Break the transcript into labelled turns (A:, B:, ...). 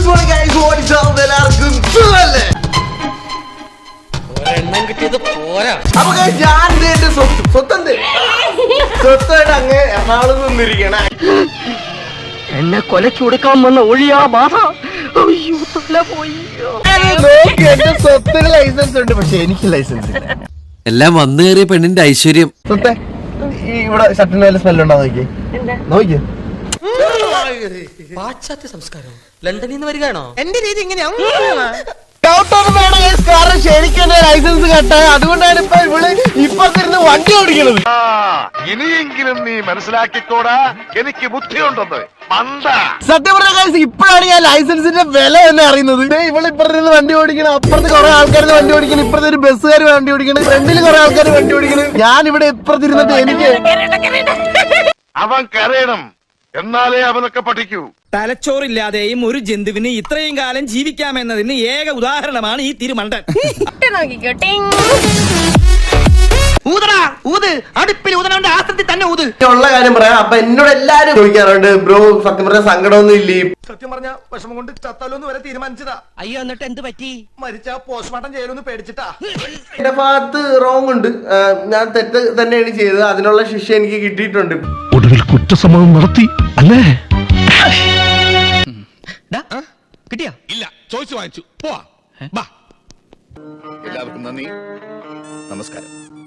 A: Good morning guys, what is up? എല്ലാവർക്കും സുഖമല്ലേ?
B: ഒരെണ്ണം കിട്ടിയത് പോരാ.
A: അപ്പൊ guys, ഞാൻ എന്റെ സ്വത്തായിട്ട് അങ്ങ് എറണാകുളത്ത് നിന്നിരിക്കണ
C: എന്നെ കൊലച്ചു കൊടുക്കാൻ വന്ന ഒഴിയാ ബാധ. അയ്യോ, തല പോയി.
A: നോക്കി, എന്റെ സ്വത്തിന് ലൈസൻസ് ഉണ്ട്, പക്ഷെ എനിക്ക് ലൈസൻസ് ഇല്ല.
D: എല്ലാം വന്നു കയറിയ പെണ്ണിന്റെ ഐശ്വര്യം.
A: സ്വത്തെ ഈ ഇവിടെ ഷർട്ടിന് വല്ല സ്മെല്ല് ഉണ്ടോ നോക്കി നോക്കി.
B: പാശ്ചാത്യ സംസ്കാരം ലണ്ടനിൽ നിന്ന് വരികയാണോ?
C: എന്റെ രീതി ഇങ്ങനെയാ.
A: ഡൗട്ടൊന്നും വേണം guys, കാരണം ശരിക്കും എന്റെ ലൈസൻസ് കട്ടായ, അതുകൊണ്ടാണ് ഇപ്പൊ ഇവിടെ ഇപ്പത്തിരുന്ന് വണ്ടി ഓടിക്കണത്.
E: ഇനിയെങ്കിലും നീ മനസ്സിലാക്കിക്കോടാ, എനിക്ക് ബുദ്ധിയുണ്ടെന്ന്.
A: സത്യം പറഞ്ഞ guys, ഇപ്പോഴാണ് ഞാൻ ലൈസൻസിന്റെ വില തന്നെ അറിയുന്നത്. ഇവിടെ ഇപ്പുറത്ത് വണ്ടി ഓടിക്കണം, അപ്പുറത്ത് കുറെ ആൾക്കാർ വണ്ടി ഓടിക്കണം, ഇപ്പുറത്തെ ഒരു ബസ്സുകാർ വണ്ടി ഓടിക്കണം, ഫ്രണ്ടിൽ കുറെ ആൾക്കാർ വണ്ടി ഓടിക്കണം. ഞാൻ ഇവിടെ ഇപ്പുറത്തിരുന്നിട്ട് എനിക്ക്
E: അവൻ കരയണം, എന്നാലേ അവനൊക്കെ പഠിക്കൂ.
F: തലച്ചോറില്ലാതെയും ഒരു ജന്തുവിന് ഇത്രയും കാലം ജീവിക്കാമെന്നതിന് ഏക ഉദാഹരണമാണ് ഈ തിരുമണ്ടൻ. അടുപ്പിൽ ഊതനവന്റെ ആസനത്തിൽ തന്നെ ഊത്.
A: ഉള്ള കാര്യം പറയാം. അപ്പൊ എന്നോട് എല്ലാരും ചോദിക്കാറുണ്ട്, ബ്രോ സത്യം പറഞ്ഞ സങ്കടമൊന്നും ഇല്ലേ?
F: സത്യം പറഞ്ഞ വിഷമം കൊണ്ട് ചത്താലോന്ന് വരെ തീരുമാനിച്ചതാ.
C: അയ്യോ, എന്നിട്ട് എന്ത് പറ്റി?
F: മരിച്ച പോസ്റ്റ്മോർട്ടം ചെയ്യലൊന്ന് പേടിച്ചിട്ടാ.
A: എന്റെ ഭാഗത്ത് റോങ് ഉണ്ട്, ഞാൻ തെറ്റ് തന്നെയാണ് ചെയ്തത്, അതിനുള്ള ശിക്ഷ എനിക്ക് കിട്ടിയിട്ടുണ്ട്.
G: ഒടുവിൽ കുറ്റസമ്മതം നടത്തി അല്ലേ?
C: കിട്ടിയാ?
G: ഇല്ല, ചോദിച്ചു വാങ്ങിച്ചു. പോവാ.
E: എല്ലാവർക്കും നന്ദി, നമസ്കാരം.